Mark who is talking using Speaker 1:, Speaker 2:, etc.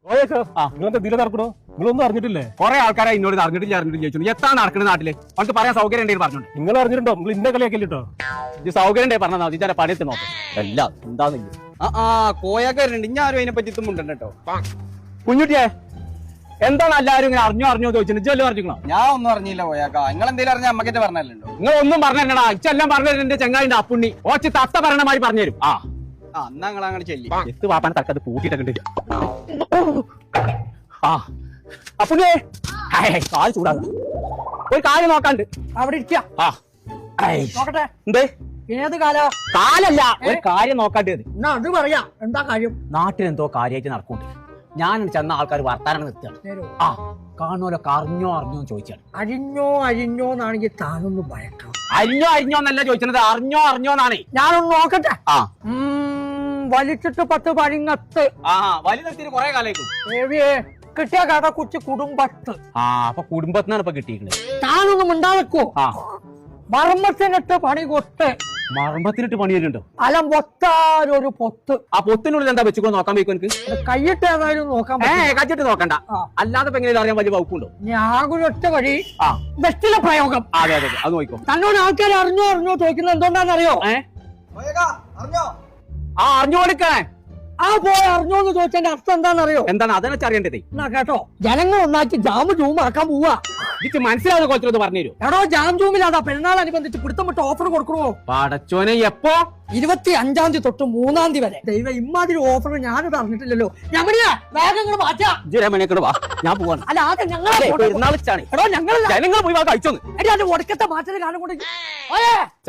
Speaker 1: നിങ്ങളെന്താ ഇതിലെ നടക്കണോ? നിങ്ങളൊന്നും അറിഞ്ഞിട്ടില്ലേ?
Speaker 2: കുറെ ആൾക്കാരെ ഇന്നോട് അറിഞ്ഞിട്ടില്ല ചോദിച്ചു. എത്താ നടക്കുന്നത് നാട്ടില്? അവർക്ക് പറയാൻ സൗകര്യം ഉണ്ടെങ്കിൽ പറഞ്ഞോണ്ട്.
Speaker 1: നിങ്ങൾ അറിഞ്ഞിട്ടുണ്ടോ? നിങ്ങൾ ഇന്ന കളിയാക്കില്ലോ.
Speaker 2: ഇത് സൗകര്യം ഉണ്ടെങ്കിൽ പറഞ്ഞാൽ മതി. ചില പണിയെത്തി നോക്കും എല്ലാം എന്താന്നില്ല. കോയാക്കാരുണ്ട്. ഇനി ആരും അതിനെ പറ്റി ഇത്തുമുണ്ട് കേട്ടോ. കുഞ്ഞുട്ടിയെ എന്താണ് എല്ലാവരും ഇങ്ങനെ അറിഞ്ഞോ ചോദിച്ചു? ഇജ്ജല്ലോ അറിഞ്ഞോ?
Speaker 3: ഞാൻ ഒന്നും അറിഞ്ഞില്ല പോയാക്കാ. നിങ്ങൾ എന്തെങ്കിലും അറിഞ്ഞ അമ്മക്കെന്നെ പറഞ്ഞല്ലോ.
Speaker 2: നിങ്ങൾ ഒന്നും പറഞ്ഞാ ഇച്ചെല്ലാം പറഞ്ഞു. എന്റെ ചെങ്ങായിന്റെ അപ്പുണ്ണി ഓച്ച് തത്ത പറയണമായി പറഞ്ഞുതരും.
Speaker 3: എന്നാ നിങ്ങൾ അങ്ങനെ ചെല്ലി.
Speaker 2: എത്ത് പാപ്പാൻ തക്കത് പൂട്ടിയിട്ടുണ്ട്. അപ്പുണ്ണിയെ കാല് ചൂടാക. ഒരു കാര്യം നോക്കാണ്ട്
Speaker 4: അവിടെ ഇരിക്ക. നോക്കട്ടെ
Speaker 2: എന്തേ?
Speaker 4: ഏത് കാലാ?
Speaker 2: കാലല്ല, ഒരു കാര്യം നോക്കാണ്ട്.
Speaker 4: എന്നാ അത് പറയാ. എന്താ കാര്യം?
Speaker 2: നാട്ടിലെന്തോ കാര്യമായിട്ട് നടക്കുന്നുണ്ട്. ഞാൻ ചെന്ന ആൾക്കാർ വർത്താനം നിർത്തുകയാണ്. കാണുമല്ലോ അറിഞ്ഞോ ചോദിച്ചാണ്.
Speaker 4: അരിഞ്ഞോന്നാണെങ്കിൽ താനൊന്ന് ഭയക്കണം.
Speaker 2: അരിഞ്ഞോ എന്നല്ല ചോദിച്ചത്, അറിഞ്ഞോന്നാണ്.
Speaker 4: ഞാനൊന്ന് നോക്കട്ടെ. വലിച്ചിട്ട് 10 പഴിങ്ങത്ത്.
Speaker 2: വലി നിർത്തിയിട്ട് കുറെ കാലമായിരിക്കും.
Speaker 4: കിട്ടിയ കഥ കുറിച്ച് കുടുംബത്ത്.
Speaker 2: അപ്പൊ കുടുംബത്തിനാണ് ഇപ്പൊ കിട്ടിയിരിക്കുന്നത്.
Speaker 4: താനൊന്നും ഉണ്ടാവെക്കോ. മർമ്മത്തിനിട്ട് പണി കൊട്ട്.
Speaker 2: മർമ്മത്തിനിട്ട് പണി വരുന്നുണ്ടോ?
Speaker 4: അലം പൊത്താരൊരു പൊത്ത്.
Speaker 2: ആ പൊത്തിനുള്ളിൽ എന്താ വെച്ചുകൊണ്ട് നോക്കാൻ വയ്ക്കും എനിക്ക്?
Speaker 4: കൈയിട്ട് ഏതായാലും നോക്കാൻ
Speaker 2: കച്ചിട്ട് നോക്കണ്ട. അല്ലാതെ ഇപ്പൊ എങ്ങനെ അറിയാൻ വലിയ വകുപ്പുണ്ടോ?
Speaker 4: ഞാൻ ഒറ്റ വഴി ബെസ്റ്റിലെ പ്രയോഗം.
Speaker 2: അതെ അത് നോക്കോ.
Speaker 4: തന്നോട് ആൾക്കാർ അറിഞ്ഞോ ചോദിക്കുന്നത് എന്തുകൊണ്ടാണെന്നറിയോ?
Speaker 2: അറിഞ്ഞു കൊടുക്കണേ.
Speaker 4: പോയി അറിഞ്ഞോന്ന് ചോദിച്ചതിന്റെ അർത്ഥം എന്താണെന്നറിയോ?
Speaker 2: എന്താണ് അതിനെ അറിയേണ്ടത്?
Speaker 4: എന്നാ കേട്ടോ, ജനങ്ങൾ ഒന്നാക്കി ജൂമാക്കാൻ പോവാ.
Speaker 2: ഇത് മനസ്സിലാവുന്ന കുറച്ചത് പറഞ്ഞു തരൂ.
Speaker 4: എടോ, ജൂമിലാതാ പെരുന്നാളനുബന്ധിച്ച് പിടുത്തം വിട്ട് ഓഫർ കൊടുക്കണോ?
Speaker 2: പടച്ചോനെ എപ്പോ?
Speaker 4: 25-ാം തീയതി തൊട്ട് 3-ാം തീയതി വരെ. ദൈവം, ഇമാതിരി ഓഫർ ഞാനിത് അറിഞ്ഞിട്ടില്ലല്ലോ. വേഗങ്ങൾ മാറ്റാ.
Speaker 2: ഞാൻ പോവാണ്.
Speaker 4: അല്ല, ആദ്യം ഞങ്ങൾ
Speaker 2: പെരുന്നാളിച്ചാണ്.
Speaker 4: എടോ, ഞങ്ങൾ
Speaker 2: ജനങ്ങൾ പോയി കഴിച്ചോന്ന്.
Speaker 4: ഒടുക്കത്തെ മാറ്റൽ കാലം കൊണ്ട്